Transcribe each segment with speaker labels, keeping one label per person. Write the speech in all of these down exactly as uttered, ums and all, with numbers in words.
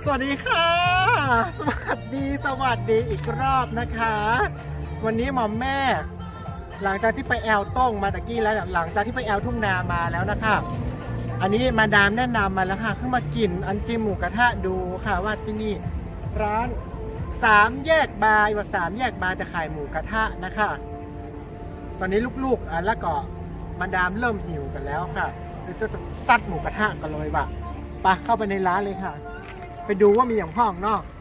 Speaker 1: วัสดีค่ะสวัสดีสวัสดีอีกรอบนะคะ วันนี้หมอมแม่หลังจากที่ไปแอลต้งมาตะกี้แล้วหลังจากที่ไปแอลทุ่งนามาแล้วนะคะอันนี้มาดามแนะนำมาแล้วค่ะขึ้นมากินอันจิมหมูกระทะดูค่ะว่าที่นี่ร้านสามแยกบาร์ว่าสามแยกบาร์จะขายหมูกระทะนะคะตอนนี้ลูกๆอ่ะแล้วก็มาดามเริ่มหิวกันแล้วค่ะจะจะซัดหมูกระทะกันเลยว่ะไปเข้าไปในร้านเลยค่ะไปดูว่ามีอย่างห้องนอก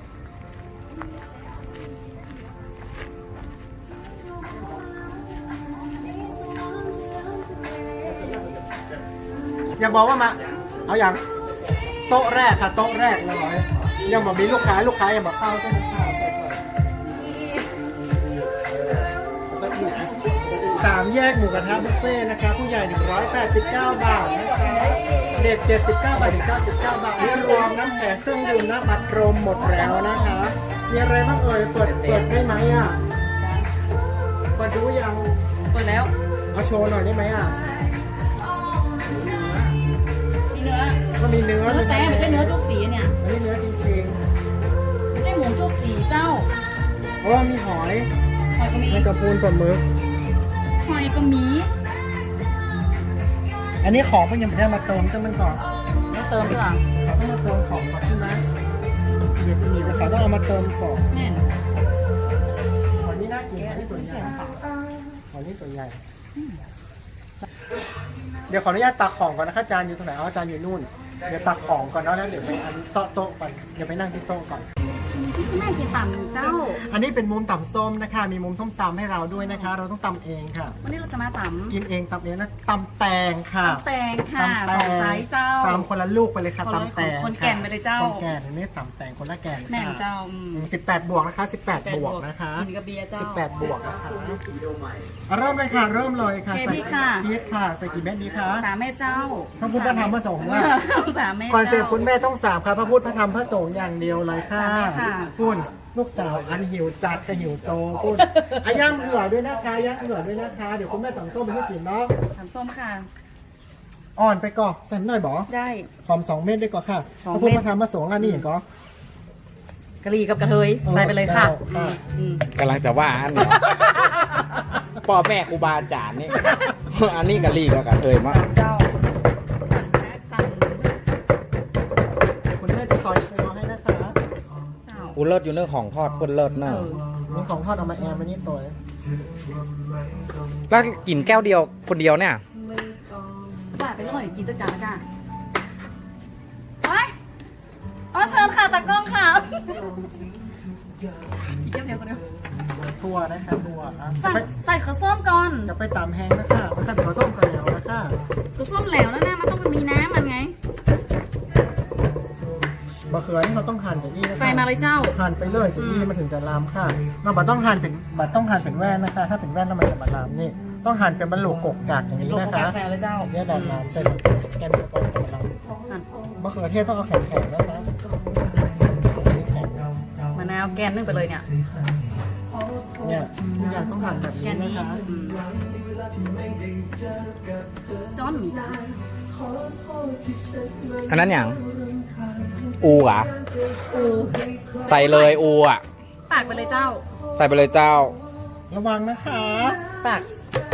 Speaker 1: อย่าบอกว่ามาเอาอย่างโต๊ะแรกค่ะโต๊ะแรกเลยยังบอกมีลูกค้าลูกค้ายังบอกเข้าต้องเข้าไปก่อนสามแยกหมูกระทะบุฟเฟ่นะคะผู้ใหญ่หนึ่งร้อยแปดสิบเก้าบาทนะคะเด็กเจ็ดสิบเก้าบาทถึงเก้าสิบเก้าบาทนี่รวมน้ำแข็งเครื่องดื่มน้ำอัดลมหมดแล้วนะคะมีอะไรบ้างเอ่ยเปิดเปิดได้ไหมอ่ะเปิดดูยัง
Speaker 2: เปิดแล้ว
Speaker 1: เอาโชว์หน่อยได้ไหมอ่ะ
Speaker 2: มีเนื้อ
Speaker 1: ก็มีเนื้อ
Speaker 2: เนื้อแต่ไม่ใช่เนื้อจุกสีเนี่ย
Speaker 1: อันนี้เนื้อจริง
Speaker 2: ๆไม่ใช่หมูจุกสีเจ้า
Speaker 1: เพราะมีหอย
Speaker 2: หอยก็มี
Speaker 1: ในกระพูนปลาหมึก
Speaker 2: หอยก็มี
Speaker 1: อันนี้ของมันยังไม่ได้มาเติมต้องมันก่อน
Speaker 2: ต้องเติมด้วย
Speaker 1: เขาต้องมาเติมของก่อนใช่ไหมเดี๋ยวเดี๋ยวเขาต้องเอามาเติมของ
Speaker 2: แน่น
Speaker 1: หอยนี่น่ากินหอยนี่ตัวใหญ่หอยนี่ตัวใหญ่เดี๋ยวขออนุญาตตักของก่อนนะคะจานอยู่ตรงไหนอ๋อจานอยู่นู่นเดี๋ยวตักของก่อนเนาะแล้วเดี๋ยวไปอันโต๊ะโต๊ะก่อนเดี๋ยวไปนั่งที่โต๊ะก่อน
Speaker 2: แม่กินตำเจ้า
Speaker 1: อันนี้เป็นมุมตำส้มนะคะมีมุมส้มตำให้เราด้วยนะคะเราต้องตำเองค่ะ
Speaker 2: วันนี้เราจะมาตำ
Speaker 1: กินเองตำเองนะตำแตงค่ะ
Speaker 2: ตำแตงค่ะตำไซส์เจ้า
Speaker 1: ตำคนละลูกไปเลยค่ะตำแตง
Speaker 2: คนแก่นไปเลยเจ้า
Speaker 1: คนแก่นนี่ตำแตงคนละแก่น
Speaker 2: แม่เจ้า
Speaker 1: สิบแปดบวกนะคะสิบแปดบวกนะคะ
Speaker 2: กินกับเบียร์เจ้า
Speaker 1: สิบแปดบวกนะคะเริ่มเลยค่ะเริ่มเลยค่ะ
Speaker 2: ใส่พริกค่ะ
Speaker 1: พริกค่ะใส่กี่เม็ดดีคะ
Speaker 2: สามเม็ดเจ้า
Speaker 1: พระพุทธพระธรรมพระสงฆ์ว่า
Speaker 2: สามเม็ด
Speaker 1: คอนเซ็ปต์คุณแม่ต้องสามค่ะพระพุทธพระธรรมพระสงฆ์อย่างเดียวเลยค่ะคุณลูกสาวอันหิวจัดกับหิวโซคุณอาย่างเหือด้วยนะคะย่างเหือด้วยนะคะเดี๋ยวคุณแม่สั่งส้มไปให้กินเนาะ
Speaker 2: สั่งส้มค่ะ
Speaker 1: อ่อนไปก่อนใส่หน่อยบอ
Speaker 2: ได้
Speaker 1: หอมสองเม็ดได้ก่อนค่ะพระพุทธพระธรรมพระสงฆ์อันนี้อย่างก็
Speaker 2: กะหรี่กับกระเทยใส่ไปเลยค่ะ
Speaker 3: กำลังจะว่าอันพ่อแม่ครูบาอาจารย์นี่อันนี้กะหรี่กับกระเทยมาก
Speaker 2: เจ้า
Speaker 1: คุณแม่จะซอยครัวให้นะคะ
Speaker 3: กูเลิศอยู่เนื้อของทอดเปิ้ลเลิศเนื้อ
Speaker 1: มีของทอดเอามาแอมมานี่ตัว
Speaker 3: แล้วกินแก้วเดียวคนเดียวเนี่ย
Speaker 2: บ้าไปเลยกินตัวจานละจ้าไปอ๋อเชิญค่ะตากล้องค่ะอีกแก้วเดียวกันเดียว
Speaker 1: ทัวนะคะทัว
Speaker 2: ใส่ข้าวส้มก่อน
Speaker 1: จะไปตามแห้งนะคะมันจะเป็นข้าวส้มก่อนแล้วนะคะ
Speaker 2: ข้าวส้มเหลวแล้วนะมันต้องมีน้ำมันไง
Speaker 1: บะเขือนี่เขาต้องหั่นจากนี่นะคะ
Speaker 2: ไฟมาเลยเจ้า
Speaker 1: หั่นไปเลยจากนี่มันถึงจะลามค่ะเราบัดต้องหั่นเป็นบัดต้องหั่นเป็นแว่นนะคะถ้าเป็นแว่นแล้วมันจะมาลามนี่ต้องหั่นเป็นบรรลุกกกากอย่างนี้นะคะเนี่ยดันน้ำใส่แกนกระป๋องจะมาลามมะเขือเทศต้องเอาแข็งๆนะคะ
Speaker 2: มะนาวแกนนึ่งไปเลยเนี่ย
Speaker 1: เนี่ยทุกอย่างต้องหั่นแบบนี้นะคะ
Speaker 2: จ้อนมี
Speaker 3: อันนั้นอย่างอูอ่ะ
Speaker 2: อู
Speaker 3: ใส่เลยอูอ่ะ
Speaker 2: ปากไปเลยเจ้า
Speaker 3: ใส่ไปเลยเจ้า
Speaker 1: ระวังนะคะ
Speaker 2: ปาก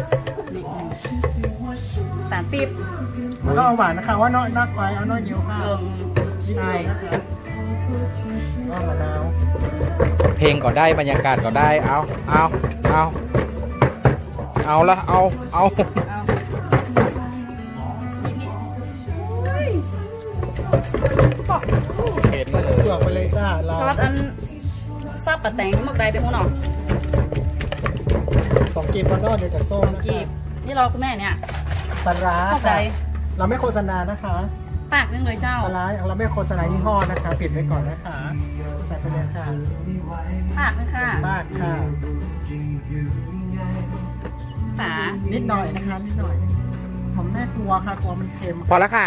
Speaker 2: สารปี๊บ
Speaker 1: แล้วก็เอาหวานนะคะว่าน้อยนักไว้เอาน้อยเดียวค่ะ
Speaker 2: ใช่
Speaker 1: ก็มะนาว
Speaker 3: เพลงก็ได้บรรยากาศก็ได้เอาเอาเอาเอาละเอาเอา
Speaker 1: เผือกไปเลยจ้า
Speaker 2: ช็อตอันซาบปะแตงหมกใดเป็นหัวหนอ
Speaker 1: สองกีบพอนอเดี๋ยวจะส้ม
Speaker 2: กีบนี่เราคุณแม่เนี่ย
Speaker 1: ปลาร้าค่ะเราไม่โฆษณานะคะ
Speaker 2: ปากนึงเลยเจ้า
Speaker 1: ปลาร้าเราไม่โฆษณายี่ห้อนะคะปิดไว้ก่อนนะคะใส่ไปเลยค่ะ
Speaker 2: ปากนึงค่ะ
Speaker 1: ปากค่ะ
Speaker 2: ฝา
Speaker 1: นิดหน่อยนะคะนิดหน่อยผมแม่กลัวค่ะกลัวมันเค็ม
Speaker 3: พอแล้วค่ะ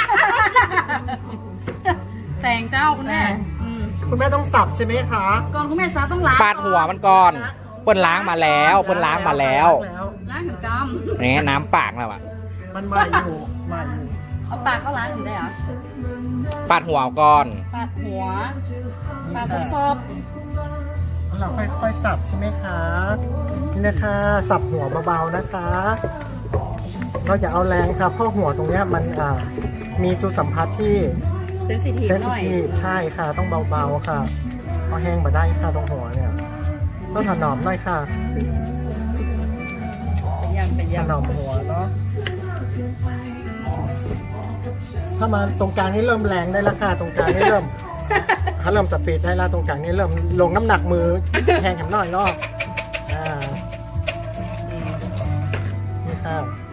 Speaker 2: แตงเจ้าคุณแม่
Speaker 1: คุณแม่ต้องสับใช่ไหมคะ
Speaker 2: ก่อนคุณแม่ซับต้องล้าง
Speaker 3: ปาดหัวมันก่อนเปิ้ลล้างมาแล้วเปิ้ลล้างมาแล้ว
Speaker 2: ล้างถึงกำ
Speaker 3: นี่น้ำปากแล้วอ่ะ
Speaker 1: มันมาอยู่มาอยู่
Speaker 2: เอาปากเขาล้างถึงได้เหรอ
Speaker 3: ปาดหัวก่อน
Speaker 2: ปาดหัวปาดซอบ
Speaker 1: เราค่อยๆสับใช่ไหมคะนี่นะคะสับหัวเบาๆนะคะ เราอย่าเอาแรงค่ะเพราะหัวตรงเนี้ยมันอ่ามีจุดสัมผัสที่
Speaker 2: เซนซิทีฟ
Speaker 1: เซน
Speaker 2: ห
Speaker 1: ซิ
Speaker 2: น่อย
Speaker 1: ทีฟใช่ค่ะต้องเบาๆค่ะเพราะแห้งมาได้ค่ะตรงหัวเนี่ยต้องถนอมหน่อยค่ะ
Speaker 2: เป็นยังเป็น
Speaker 1: ถ
Speaker 2: ยัง
Speaker 1: นอมหัวเนาะถ้ามาตรงกลางนี่เริ่มแรงได้และค่ะตรงกลางนี่เริ่ม ถ้าเริ่มสปีดได้และตรงกลางนี่เริ่มลงน้ำหนักมือแห้งแข็งหน่อยเนาะอ่านี่ค่ะ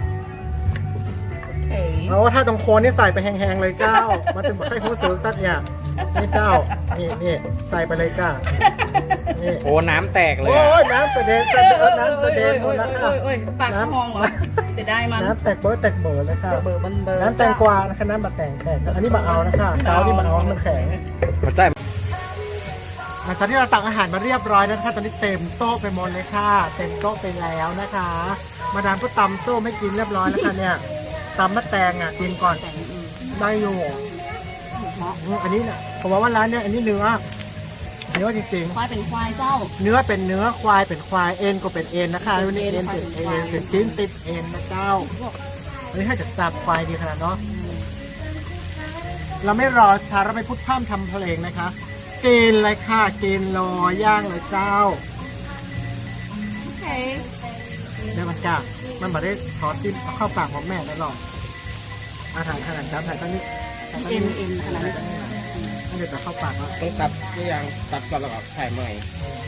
Speaker 2: เอ๋
Speaker 1: เอาถ้าตรงโคนนี่ใส่ไปแห้งๆเลยเจ้า มันเป็นแบบให้ผู้สูงตัดเนี่ยนี่เจ้า นี่นี่ใส่ไปเลยจ้า นี่
Speaker 3: โอ้น้ำแตกเลย
Speaker 1: โอ้
Speaker 3: อะ
Speaker 1: ยน้ำเสด็จเสด็จน้ำเสด็จหมดแล้วค่ะ
Speaker 2: โอ้ยปากมองเหรอเสียดายมัน
Speaker 1: น้ำแตกเบิร์ดแตกเบิร์ดเลยค่ะ
Speaker 2: เบอร์บันเบอร์
Speaker 1: น้ำแตงกวานะคะน้ำบะแตงแตกอันนี้บะเอานะคะเช้านี่บะเอาให้มันแข็ง
Speaker 3: มาใจ
Speaker 1: หลังจากที่เราตักอาหารมาเรียบร้อยแล้วนะคะตอนนี้เต็มโต๊ะไปหมดเลยค่ะ เต็มโต๊ะไปแล้วนะคะ มาดามก็ตำโต๊ะไม่กินเรียบร้อยแล้วค่ะเนี่ยตำมะแตงอ่ะกินก่อน
Speaker 2: แต่งอืม
Speaker 1: ได้อยู่
Speaker 2: เหมาะ
Speaker 1: อืมอันนี้เนี่ยผมว่าว่าร้านเนี่ยอันนี้เนื้อเนื้อจริง
Speaker 2: ควายเป็นควายเจ้า
Speaker 1: ๆ เนื้อเป็นเนื้อควายเป็นควายเอ็นก็เป็นเอ็นนะคะ
Speaker 2: เป็
Speaker 1: วัน
Speaker 2: น
Speaker 1: นี้
Speaker 2: เอ็
Speaker 1: เอ็
Speaker 2: น
Speaker 1: นเป็น
Speaker 2: ควาย
Speaker 1: เอ็
Speaker 2: เป็นควาย
Speaker 1: นเป็นชิ้นติดเอ็นนะเจ้าอันนี้ถ้าจะสับควายดีขนาดเนาะเราไม่รอช้าเราไปพูดพร่ำทำเพลงนะคะกินเลยค่ะกินรอย่างเลยเจ้า
Speaker 2: โอเค
Speaker 1: เดี๋ยวมันจ้ามันมาได้ทอดจิ้มเข้าปากของแม่แล้วหรอกอาถ่ายขนาดจ้าถ่ายตั้งนี้ถ่ายตั้ง
Speaker 2: เอ็น
Speaker 1: นี้
Speaker 2: เอ็นขนาดนี้
Speaker 1: เดี๋ยวจะเข้าปากแล้ว
Speaker 3: ต้องตัดหรือยังตัดก่อนแล้วก็ถ่ายใหม่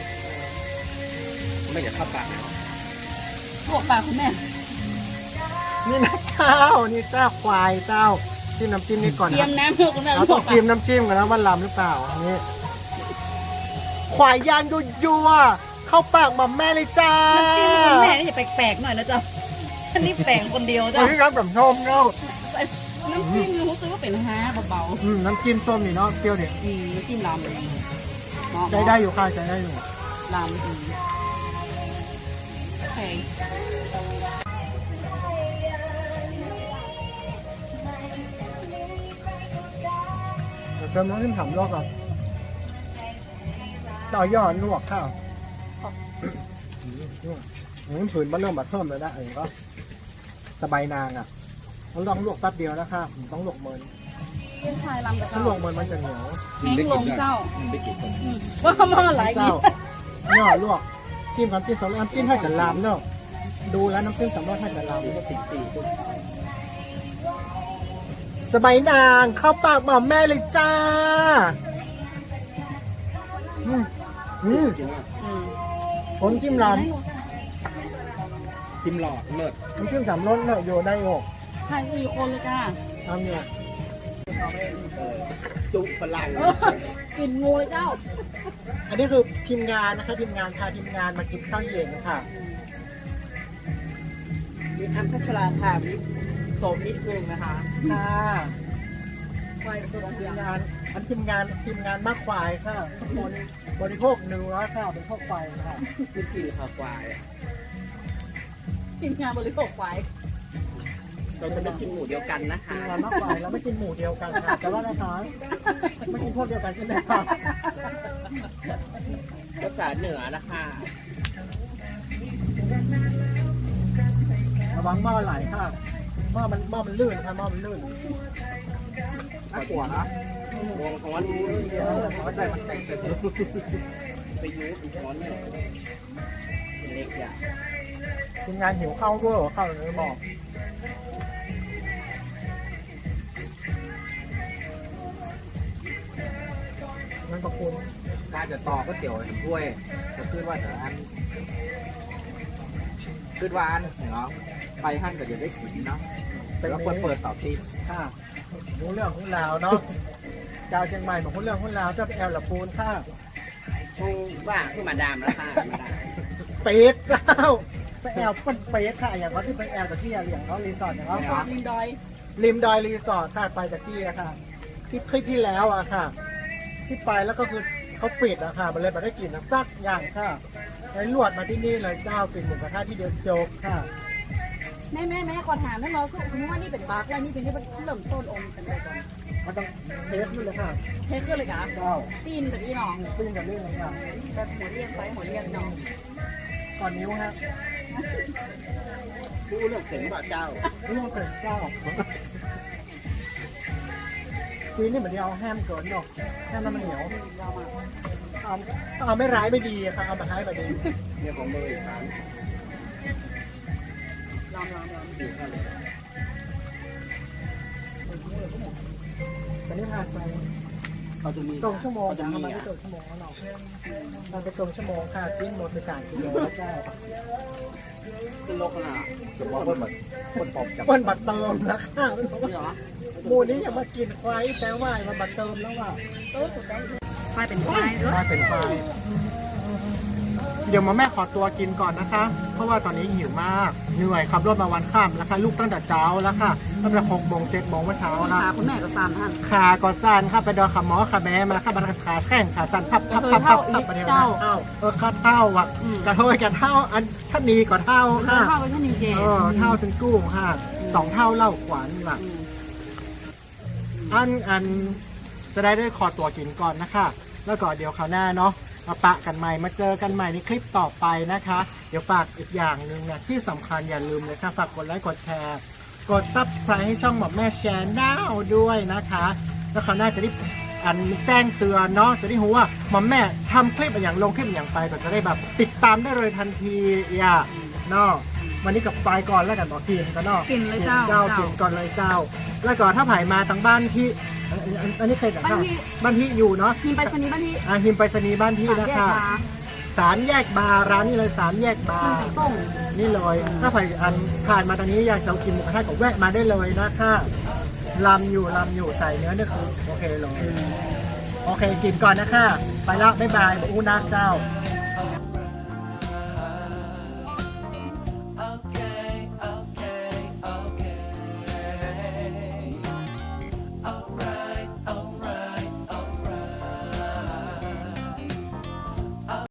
Speaker 3: ไม่จะเข้าปากนะ
Speaker 2: ลวกปากคุณแม่
Speaker 1: นี่นะเจ้า นี่เจ้าควายเจ้าจิ้มน้ำจิ้มนี่ก่อน
Speaker 2: เตรีย
Speaker 1: นะ
Speaker 2: มน้ำเพื่อคุณแม่
Speaker 1: เรา
Speaker 2: ล
Speaker 1: ต้
Speaker 2: ว
Speaker 1: อก ง
Speaker 2: ปาก
Speaker 1: จิ้มน้ำจิ้มกันนะว่าลำหรือเปล่าอันนี้ควายย่างยัวๆเข้าปากหม่อมแม่เลยจ้า
Speaker 2: น้ำจิ้มคุณแม่นี่อย่าแปลกๆหน่อยนะเจ้าอันนี้แปลกคนเดียว
Speaker 1: อั
Speaker 2: เจ้าน
Speaker 1: นี้รับแบบชมเนาะ
Speaker 2: น้ำจิ้มรู้สึกว่าเป็นฮาเบา
Speaker 1: อืมน้ำจิ้มส้มนี่เนาะเปรี้ยวเด็ด
Speaker 2: ๆอืมน้ำจิ้มลำ
Speaker 1: ใจได้อยู่ค่ะใจได้อยู่
Speaker 2: ลำอืมโอเค
Speaker 1: เดี๋ยวเติมน้ำจิ้มถามรอบก่อนต่อยอดลวกข้าวอืมผืนมันเริ่มแบบเพิ่มเลยนะเองก็สบายนางอ่ะต้องลองลวกแป๊บเดียวนะครับต้องลวกเมิน
Speaker 2: เป็นควายลำกับ
Speaker 1: ถ้า
Speaker 2: เจ้า
Speaker 1: ลวกเมินมันจะเหนียว
Speaker 2: แห้งลงเจ้า
Speaker 3: ได้กินคน
Speaker 2: อืมว่าเขามาหลาย
Speaker 1: เจ้า
Speaker 2: อีก
Speaker 1: ย่อลวกจิ้มกับจิ้มสองน้ำจิ้มถ้าจะลามเนาะดูแล้วน้ำจิ้มสำรสถ้าจะลามก็ติดตีสบายนางเข้าปากหม่อมแม่เลยจ้าอืมอืม
Speaker 2: อืม
Speaker 1: ผมจิ้มลาม
Speaker 3: จิ้มหลอดเลิศ
Speaker 1: น้ำจิ้มสามรสเนาะอยู่ได้โอ้
Speaker 2: ทานอีกคนเลยจ้า
Speaker 1: ทำเนี่ย
Speaker 3: จุฝรั่ง
Speaker 2: เออกลิ่นงูเลยเจ้า
Speaker 1: อันนี้คือทีมงานนะคะทีมงานพาทีมงานมากินข้าวเย็นค่ะมีอันพัชราค่ะมีโสมนิดนึงนะคะค่ะควายตัวทีมงานอันทีมงานทีมงานมากควายค่ะทุกคนบริโภคเนื้อค่ะบริโภคควายค่ะ
Speaker 3: กินกินข้าวควาย
Speaker 2: ทีมงานบริโภคควาย
Speaker 3: เราจะไม่กินหมูเดียวกันนะคะ
Speaker 1: ทีมงานมากควายเราไม่กินหมูเดียวกันค่ะแต่ว่านะคะไม่กินพวกเดียวกันใช่ไหมคะ
Speaker 3: ภาษาเหนือนะคะ
Speaker 1: ระวังหม้อไหลค่ะหม้อมันหม้อมันลื่นค่ะหม้อมันลื่นน่ากลัวนะ
Speaker 3: วงฮ้อน
Speaker 1: เออหัวใจมันเต้น
Speaker 3: ไปยูอีกฮ้อนหนึ่งเล็กอย่าง
Speaker 1: ทีมงานหิวข้าวด้วยเหรอข้าวเลยบอกมันประคุณ
Speaker 3: การจะต่อก็เตี๋ยวเห็นถ้วยจะขึ้นว่าแต่อันขึ้นว่าอันเนาะไปหั่นก็เดี๋ยวได้กินเนาะแต่ว่าควรเปิดเสาทิพย์
Speaker 1: ค่ะรู้เรื่องของลาวเนาะเจ้าเชียงใหม่บอกรู้เรื่องของลาวเจ้าไปแอลละปูนค่ะ
Speaker 3: คงว่าคือมาดามแล้วค่ะมาดาม
Speaker 1: เป็ดเจ้าไปแอลเป็นเป็ดค่ะอย่างเขาที่ไปแอลจากที่อย่างเขารีสอร์ทอย่างเขา
Speaker 2: ลิงดอย
Speaker 1: ริมดอยรีสอร์ทค่ะไปจากที่อะค่ะ ที่คลิปที่แล้วอะค่ะ ที่ไปแล้วก็คือเขาปิดอะค่ะมันเลยไม่ได้กลิ่นน้ำซักอย่างค่ะไอ้ลวดมาที่นี่เลยเจ้ากินหมูกระทะที่เดียวจบค่ะ
Speaker 2: แม่แม่แม่ขอถามให้เราสมมติว่านี่เป็นบาร์กแล้วนี่เป็นที่เริ่มต้นอมกันไปก่อน
Speaker 1: อมันต้องเทสด้วยเลยค่ะ
Speaker 2: เทขึ้นเลยกะ
Speaker 1: เจ้า
Speaker 2: ตีนแบบอีหนอง
Speaker 1: ปิ้งกันเรื่องเลยค่ะ
Speaker 2: แบบหัวเรียงไปหัวเรียงหนอง
Speaker 1: ก่อนนิ้วฮะ
Speaker 3: ดูเลือกเสียงบ่าเจ้า
Speaker 1: เรื่องเป็นเจ้าทีนี่เหมือนเอาแฮมเกินเนาะแฮมน้ำมันเหนียวเอาเอาไม่ร้ายไม่ดีอะค่ะเอามาให้มาดี
Speaker 3: เนี่ยของเบอร์อีกครั้ง
Speaker 2: ลองลองลอง
Speaker 1: ตอนนี้ผ่านไป
Speaker 3: เขาจะมี
Speaker 1: ตรงชั่วโมง
Speaker 3: เขาจะ
Speaker 1: ทำ
Speaker 3: มี
Speaker 1: มาไม่
Speaker 3: อ่ะ
Speaker 1: ตรงชั่วโมงแล้วเนาะมันไปตรงชั่วโมงค่ะจิ้มหมดไปสามกิโลแล้วเจ้า
Speaker 3: ขึ้นโลกขนาดจะบอกว่าแบบคนปอบจับ
Speaker 1: เปิ้นบัตรเติมนะคะ
Speaker 3: นี่เหรอ
Speaker 1: หมูนี้อย่ามากินควายแต่ว่ามันบัตรเติมแล้วว่ะ
Speaker 2: ไฟเป็นไฟด้วย
Speaker 1: ว่าเป็นไฟเดี๋ยวมาแม่ขอตัวกินก่อนนะคะ เพราะว่าตอนนี้หิวมากเหนื่อยขับรถมาวันข้ามแล้วค่ะลูกตั้งแต่เช้าแล้วค่ะตั้งแต่หกโมงเจ็ดโมงเมื่อเช้า
Speaker 2: นี่
Speaker 1: นะ
Speaker 2: ค่ะคุณแม่ก็ฟาร์มท่าน
Speaker 1: ขาก็สั้นค่ะไปดอนขาหมอขาแม่มาค่ะบันขาแข้งขาสั้นพับพับ
Speaker 2: เค
Speaker 1: พั
Speaker 2: ย
Speaker 1: บ
Speaker 2: เท่า
Speaker 1: พับ
Speaker 2: อี
Speaker 1: พับ
Speaker 2: ก
Speaker 1: ประเดี๋ยว
Speaker 2: เจ้า
Speaker 1: เท่าเออค่าเท่าอ่ะกระเท่ากันเท่าอันชันนีก่อนเท่า
Speaker 2: เคย
Speaker 1: ค่ะ
Speaker 2: เท่าไปที่นี่เจ
Speaker 1: เออเท่าถึงกุ้งค่ะสองเท่าเล่าขวานว่ะ อันอันจะได้ได้ขอตัวกินก่อนนะคะ แล้วก็เดี๋ยวคราวหน้าเนาะมาปะกันใหม่มาเจอกันใหม่ในคลิปต่อไปนะคะ เดี๋ยวฝากอีกอย่างหนึ่งนะที่สำคัญอย่าลืมเลยค่ะฝากกดไลค์กดแชร์ กด ซับสไครบ์ ให้ช่องหมอแม่แชร์น้าด้วยนะคะ แล้วคราวหน้าจะได้อันแจ้งเตือนเนาะจะได้รู้ว่าหมอแม่ทำคลิปอย่างลงคลิปอย่างไปก็จะได้แบบติดตามได้เลยทันทีอย่าเนาะวันนี้กับไปก่อนแล้วกันบอกกินกันเนาะ
Speaker 2: กินเลยเจ้า
Speaker 1: เจ้ากินก่อนเลยเจ้า แล้วก็ถ้าผ่ายมาทางบ้านที่อันอันอันนี้เคยแต่
Speaker 2: บ้านที่
Speaker 1: บ้านที่อยู่เนาะ
Speaker 2: ทีมไปสนีย์บ้านที่
Speaker 1: อาหิมไปรษณีย์บ้านที่
Speaker 2: สาม
Speaker 1: นะ
Speaker 2: แยก
Speaker 1: คะ
Speaker 2: มา
Speaker 1: สามแยกบาร์ร้านนี้เลยสามแยกบา
Speaker 2: กิน
Speaker 1: ร์
Speaker 2: ปีต้ง
Speaker 1: นี่เลยถ้าผ่ายอันผ่านมาตอนนี้อยากจะกินหมูกระทะก็แวะมาได้เลยนะคะลำอยู่ลำอยู่ใส่เนื้อเนี่ยคือโอเคเลยโอเคกินก่อนนะคะไปแล้วบ๊ายบายบูนาเจ้า